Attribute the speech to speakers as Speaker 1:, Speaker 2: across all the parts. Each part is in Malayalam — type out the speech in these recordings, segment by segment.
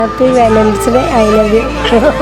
Speaker 1: Happy valentine's day. I love you.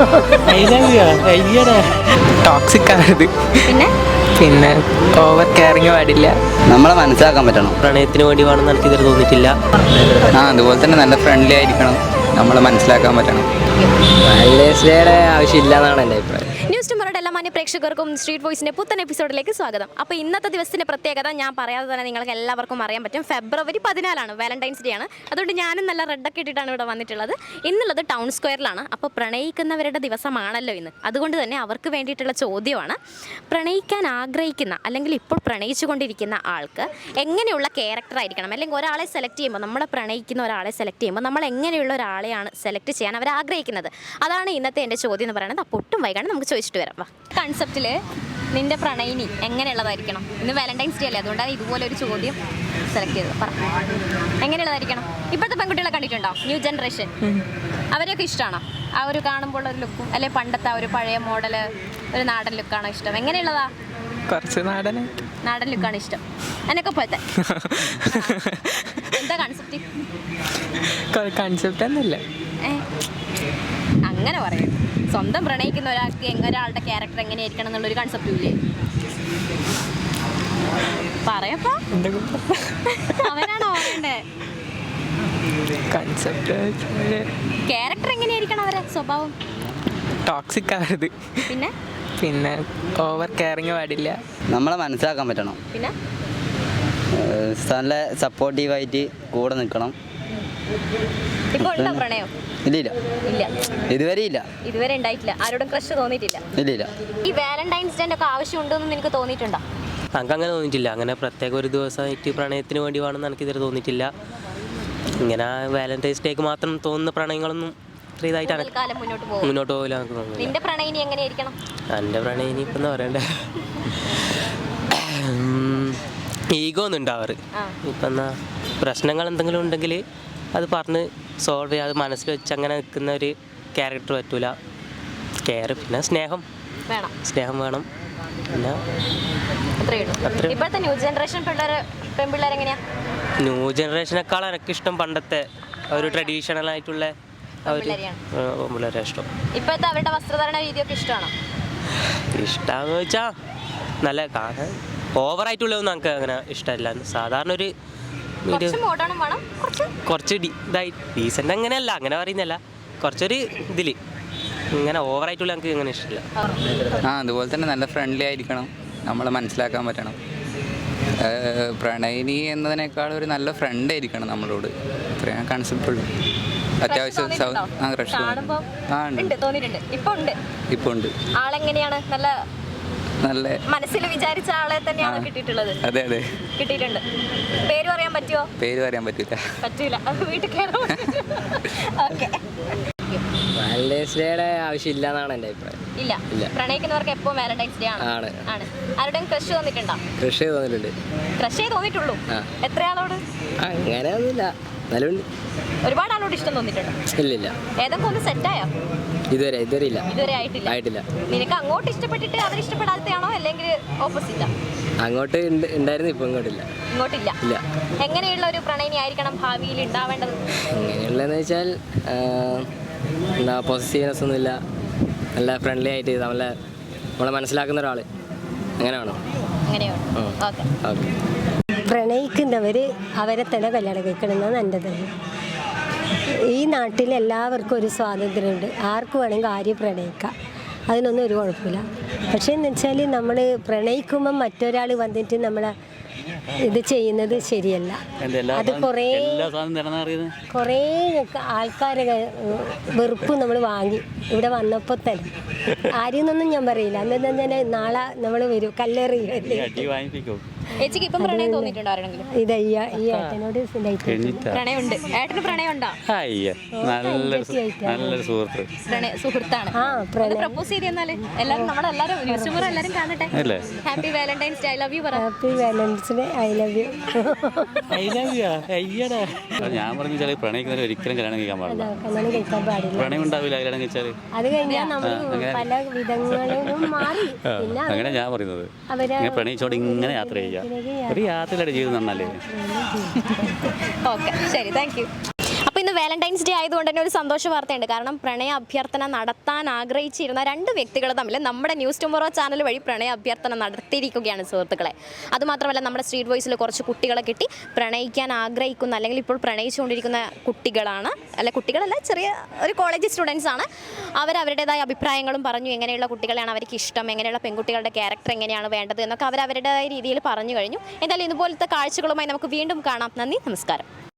Speaker 2: Toxic ആയത് പിന്നെ ഓവർ കെയറിങ് പാടില്ല.
Speaker 3: നമ്മളെ മനസ്സിലാക്കാൻ പറ്റണം.
Speaker 4: പ്രണയത്തിന് വേണ്ടി വേണമെന്ന് എനിക്ക് ഇതുവരെ തോന്നിയിട്ടില്ല.
Speaker 3: അതുപോലെ തന്നെ നല്ല ഫ്രണ്ട്ലി ആയിരിക്കണം. നമ്മളെ മനസ്സിലാക്കാൻ പറ്റണം.
Speaker 2: വാലന്റൈൻസ് ഡേയുടെ ആവശ്യമില്ല എന്നാണ് എൻ്റെ അഭിപ്രായം.
Speaker 5: ന്യൂസ് ടുമോറുടെ എല്ലാ മാന്യ പ്രേക്ഷകർക്കും സ്ട്രീറ്റ് വോയിസിൻ്റെ പുത്തൻ എപ്പിസോഡിലേക്ക് സ്വാഗതം. അപ്പോൾ ഇന്നത്തെ ദിവസത്തിൻ്റെ പ്രത്യേകത ഞാൻ പറയാതെ തന്നെ നിങ്ങൾക്ക് എല്ലാവർക്കും അറിയാൻ പറ്റും. ഫെബ്രുവരി 14 വാലന്റൈൻസ് ഡേ ആണ്. അതുകൊണ്ട് ഞാനും നല്ല റെഡൊക്കെ ഇട്ടിട്ടാണ് ഇവിടെ വന്നിട്ടുള്ളത്. ഇന്നുള്ളത് ടൗൺ സ്ക്വയറിലാണ്. അപ്പോൾ പ്രണയിക്കുന്നവരുടെ ദിവസമാണല്ലോ ഇന്ന്. അതുകൊണ്ട് തന്നെ അവർക്ക് വേണ്ടിയിട്ടുള്ള ചോദ്യമാണ്, പ്രണയിക്കാൻ ആഗ്രഹിക്കുന്ന അല്ലെങ്കിൽ ഇപ്പോൾ പ്രണയിച്ചുകൊണ്ടിരിക്കുന്ന ആൾക്ക് എങ്ങനെയുള്ള ക്യാരക്ടർ ആയിരിക്കണം, അല്ലെങ്കിൽ ഒരാളെ സെലക്ട് ചെയ്യുമ്പോൾ, നമ്മളെ പ്രണയിക്കുന്ന ഒരാളെ സെലക്ട് ചെയ്യുമ്പോൾ നമ്മൾ എങ്ങനെയുള്ള ഒരാളെയാണ് സെലക്ട് ചെയ്യാൻ അവർ ആഗ്രഹിക്കുന്നത്. അതാണ് ഇന്നത്തെ എൻ്റെ ചോദ്യം എന്ന് പറയുന്നത്. അപ്പോൾ ഒട്ടും വൈകാണ് നമുക്ക് ചോദിച്ചിട്ട് വരാം. വാ. കൺസെപ്റ്റിൽ നിന്റെ പ്രണയിനി എങ്ങനെയുള്ളതായിരിക്കണം? ഇന്ന് വാലന്റൈൻസ് ഡേ അല്ലേ, അതുകൊണ്ടാണ് ഇതുപോലെ ഒരു ചോദ്യം സെലക്ട് ചെയ്തത്. പറ, എങ്ങനെയുള്ളതായിരിക്കണം? ഇപ്പോഴത്തെ പെൺകുട്ടികളെ കണ്ടിട്ടുണ്ടോ? ന്യൂ ജനറേഷൻ, അവരെയൊക്കെ ഇഷ്ടമാണോ? ആ ഒരു കാണുമ്പോൾ ഒരു ലുക്കും, അല്ലെ പണ്ടത്തെ ആ ഒരു പഴയ മോഡല് ഒരു നാടൻ ലുക്കാണോ ഇഷ്ടം? എങ്ങനെയുള്ളതാ?
Speaker 2: കുറച്ച്
Speaker 5: നാടൻ ലുക്കാണ് ഇഷ്ടം. എന്നൊക്കെ പോലത്തെ എന്താ കൺസെപ്റ്റ്?
Speaker 2: കൺസെപ്റ്റ് ഒന്നുമില്ല.
Speaker 5: അങ്ങനെ പറയും. സ്വന്തം പ്രണയിക്കുന്ന ഒരാൾക്ക് ഒരാളുടെ ക്യാരക്ടർ എങ്ങനെയായിരിക്കണം എന്നുള്ളൊരു കൺസെപ്റ്റും ഇല്ലേ? പറയപ്പോ, അവനാണോ പറയണ്ടേ?
Speaker 2: കൺസെപ്റ്റ്
Speaker 5: ക്യാരക്ടർ എങ്ങനെയായിരിക്കണം അവരെ സ്വഭാവം?
Speaker 2: ടോക്സിക് ആയത് പിന്നെ ഓവർ കെയറിങ് പാടില്ല.
Speaker 3: നമ്മളെ മനസ്സിലാക്കാൻ പറ്റണം.
Speaker 5: പിന്നെ
Speaker 3: നല്ല സപ്പോർട്ടീവായിട്ട് കൂടെ നിൽക്കണം.
Speaker 5: ഇപ്പൊ ഉണ്ടോ പ്രണയം?
Speaker 3: ഇല്ല,
Speaker 5: ഇതുവരെ ഉണ്ടായിട്ടില്ല. ആരോടും ക്രഷ് തോന്നിയിട്ടില്ല?
Speaker 3: ഇല്ല.
Speaker 5: ഈ വാലന്റൈൻസ് ഡേ ഒക്കെ ആവശ്യമുണ്ടെന്ന് നിനക്ക് തോന്നിയിട്ടുണ്ടോ?
Speaker 4: എനിക്ക് അങ്ങനെ തോന്നിയിട്ടില്ല. അങ്ങനെ പ്രത്യേക ഒരു ദിവസമായിട്ട് പ്രണയത്തിന് വേണ്ടി വേണമെന്ന് എനിക്ക് ഇതുവരെ തോന്നിയിട്ടില്ല. ഇങ്ങനെ വാലന്റൈൻസ് ഡേക്ക് മാത്രം തോന്നുന്ന പ്രണയങ്ങളൊന്നും ഇത്ര ഇതായിട്ടാണ്
Speaker 5: കാലം മുന്നോട്ട്
Speaker 4: പോകില്ല എനിക്ക് തോന്നുന്നില്ല.
Speaker 5: നിന്റെ പ്രണയിനി എങ്ങനെയായിരിക്കണം?
Speaker 4: എൻ്റെ പ്രണയിനി ഇപ്പം എന്താ പറയണ്ടേ, ഈഗോ ഒന്നും ഉണ്ടാവാറ്. ഇപ്പം എന്നാ പ്രശ്നങ്ങൾ എന്തെങ്കിലും ഉണ്ടെങ്കിൽ അത് പറഞ്ഞ് സോൾവ് ചെയ്യുക, അത് മനസ്സിൽ വെച്ച് അങ്ങനെ നിൽക്കുന്ന ഒരു ക്യാരക്ടർ പറ്റൂല. കെയർ, പിന്നെ സ്നേഹം വേണം. പിന്നെ
Speaker 5: ഇപ്പോഴത്തെ ന്യൂ ജനറേഷൻ പെൺപിള്ളേർ എങ്ങനെയാ?
Speaker 4: ന്യൂ ജനറേഷനേക്കാൾ എനിക്കിഷ്ടം പണ്ടത്തെ ഒരു ട്രഡീഷണൽ ആയിട്ടുള്ള പിള്ളേരെ ഇഷ്ടം.
Speaker 5: ഇപ്പോഴത്തെ അവരുടെ വസ്ത്രധാരണ രീതിയൊക്കെ ഇഷ്ടമാണോ?
Speaker 4: ഇഷ്ടമാണെന്ന് വെച്ചാൽ നല്ല കാണാൻ ഓവറായിട്ടുള്ളതൊന്നും നമുക്ക് അങ്ങനെ ഇഷ്ടമല്ല. സാധാരണ ഒരു കുറച്ച് ഇതായി ഡീസൻ്റ് അങ്ങനെയല്ല, അങ്ങനെ പറയുന്നല്ല, കുറച്ചൊരു ഇതിൽ ഇങ്ങനെ ഓവറായിട്ടുള്ള നമുക്ക് ഇങ്ങനെ ഇഷ്ടമില്ല.
Speaker 3: അതുപോലെ തന്നെ നല്ല ഫ്രണ്ട്ലി ആയിരിക്കണം. നമ്മളെ മനസ്സിലാക്കാൻ പറ്റണം. പ്രണയിനി എന്നതിനേക്കാൾ ഒരു നല്ല ഫ്രണ്ട് ആയിരിക്കണം നമ്മളോട്. ഇത്രയും കൺസെപ്റ്റ് ഉള്ളൂ. അത്യാവശ്യം ഇപ്പൊ ഉണ്ട്.
Speaker 5: ആളെങ്ങനെയാണ്?
Speaker 3: നല്ല
Speaker 5: മനസ്സിൽ വിചാരിച്ച ആളെ തന്നെയാണ് കിട്ടിയിട്ടുള്ളത്?
Speaker 3: അതെ,
Speaker 5: കിട്ടിയിട്ടുണ്ട്. പേര് പറയാൻ പറ്റുമോ?
Speaker 3: പേര് പറയാൻ പറ്റില്ല.
Speaker 5: വീട്ടിൽ
Speaker 2: വാലന്റൈൻസ് ഡേയുടെ ആവശ്യമില്ല എന്നാണ് എൻ്റെ അഭിപ്രായം.
Speaker 5: ഇല്ല. പ്രണയിക്കുന്നവർക്ക് എപ്പോൾ വാലന്റൈൻസ് ഡേ ആണ്. ആരുടെയും ക്രഷ് തോന്നിയിട്ടുണ്ടോ?
Speaker 2: ക്രഷ് തോന്നിയിട്ടുണ്ട്.
Speaker 5: ക്രഷേ തോന്നിയിട്ടുള്ളൂ? എത്ര ആളോട്?
Speaker 2: അങ്ങനെ ഒന്നുമില്ല, നല്ലുണ്ട്.
Speaker 5: ഒരുപാട് ആളോട് ഇഷ്ടം തോന്നിയിട്ടുണ്ടോ?
Speaker 2: ഇല്ല.
Speaker 5: ഏതൊക്കെ ഒന്ന് സെറ്റായോ?
Speaker 2: ഇതുവരെ
Speaker 5: ഇതുവരെ ആയിട്ടില്ല. നിനക്ക് അങ്ങോട്ട് ഇഷ്ടപ്പെട്ടിട്ട് അവർ ഇഷ്ടപ്പെടാത്തയാണോ, അല്ലെങ്കിൽ ഓപ്പോസിറ്റാ?
Speaker 2: അങ്ങോട്ട് ഉണ്ടായിരുന്നു, ഇപ്പൊ ഇങ്ങോട്ടില്ല.
Speaker 5: ഇല്ല. എങ്ങനെയുള്ള ഒരു പ്രണയിനി ആയിരിക്കണം ഭാവിയിൽ ഉണ്ടാവേണ്ടത്?
Speaker 2: എങ്ങനെയുള്ളതെന്ന് വെച്ചാൽ എന്താ, പോസിറ്റീവ്നെസ് ഒന്നുമില്ല, നല്ല ഫ്രണ്ട്ലി ആയിട്ട് നമ്മളെ മനസ്സിലാക്കുന്ന ഒരാൾ, അങ്ങനെയാണോ? ഓക്കെ.
Speaker 1: പ്രണയിക്കുന്നവർ അവരെ തന്നെ കല്യാണം കഴിക്കണമെന്നാണ് എൻ്റെ തന്നെ. ഈ നാട്ടിൽ എല്ലാവർക്കും ഒരു സ്വാതന്ത്ര്യമുണ്ട്. ആർക്ക് വേണമെങ്കിൽ ആരും പ്രണയിക്കാം, അതിനൊന്നും ഒരു കുഴപ്പമില്ല. പക്ഷേ എന്ന് വെച്ചാൽ നമ്മൾ പ്രണയിക്കുമ്പം മറ്റൊരാൾ വന്നിട്ട് നമ്മളെ ഇത് ചെയ്യുന്നത് ശരിയല്ല. അത് കുറേ ആൾക്കാരെ വെറുപ്പ് നമ്മൾ വാങ്ങി ഇവിടെ വന്നപ്പോൾ തന്നെ. ആരെയൊന്നും ഞാൻ പറയില്ല. അന്ന് തന്നെ നാളെ നമ്മൾ വരും കല്ലെറിയല്ലേ.
Speaker 5: ചേച്ചിക്ക് ഇപ്പം പ്രണയം തോന്നിയിട്ടുണ്ടോ ആരെങ്കിലും?
Speaker 1: ഇത് ഈ ഏട്ടനോട്
Speaker 5: പ്രണയമുണ്ട്. ഏട്ടന് പ്രണയമുണ്ടോ?
Speaker 3: നല്ലൊരു
Speaker 5: സുഹൃത്താണ്. പ്രപ്പോസ് ചെയ്തെന്നാല് എല്ലാരും നമ്മളെല്ലാരും യൂട്യൂബർ എല്ലാരും കാണട്ടെ. Happy valentine's day. I love you പറ.
Speaker 1: Happy valentine's day. I love you.
Speaker 6: ഞാൻ പറഞ്ഞു പ്രണയിക്കുന്നവർ ഒരിക്കലും കല്യാണം കഴിക്കാൻ പാടില്ല.
Speaker 1: കല്യാണം കഴിക്കാൻ പാടില്ല.
Speaker 6: പ്രണയം ഉണ്ടാവില്ല കല്യാണം കഴിച്ചാൽ.
Speaker 1: അത് കഴിഞ്ഞാൽ നമ്മൾ പല വിധങ്ങളിലും മാറി. പിന്നെ
Speaker 6: അങ്ങനെ ഞാൻ പറയുന്നത് പ്രണയിച്ചോട് ഇങ്ങനെ യാത്ര ചെയ്യുക. ഒരു യാത്രയുടെ ജീവിതം നന്നല്ലേ?
Speaker 5: ഓക്കെ, ശരി, താങ്ക് യു. അപ്പോൾ ഇന്ന് വാലന്റൈൻസ് ഡേ ആയതുകൊണ്ട് തന്നെ ഒരു സന്തോഷ വാർത്തയുണ്ട്. കാരണം പ്രണയ അഭ്യർത്ഥന നടത്താൻ ആഗ്രഹിച്ചിരുന്ന രണ്ട് വ്യക്തികൾ തമ്മിൽ നമ്മുടെ ന്യൂസ് ടുമോറോ ചാനൽ വഴി പ്രണയ അഭ്യർത്ഥന നടത്തിയിരിക്കുകയാണ് സുഹൃത്തുക്കളെ. അതുമാത്രമല്ല നമ്മുടെ സ്ട്രീറ്റ് വോയിസിൽ കുറച്ച് കുട്ടികളെ കിട്ടി പ്രണയിക്കാൻ ആഗ്രഹിക്കുന്ന അല്ലെങ്കിൽ ഇപ്പോൾ പ്രണയിച്ചുകൊണ്ടിരിക്കുന്ന കുട്ടികളാണ്, അല്ല കുട്ടികളല്ല, ചെറിയ ഒരു കോളേജ് സ്റ്റുഡൻസ് ആണ്. അവരവരുടേതായ അഭിപ്രായങ്ങളും പറഞ്ഞു. എങ്ങനെയുള്ള കുട്ടികളെയാണ് അവർക്ക് ഇഷ്ടം, എങ്ങനെയുള്ള പെൺകുട്ടികളുടെ ക്യാരക്ടർ എങ്ങനെയാണ് വേണ്ടത് എന്നൊക്കെ അവരവരുടേതായ രീതിയിൽ പറഞ്ഞു കഴിഞ്ഞു. എന്തായാലും ഇതുപോലത്തെ കാഴ്ചകളുമായി നമുക്ക് വീണ്ടും കാണാം. നന്ദി, നമസ്കാരം.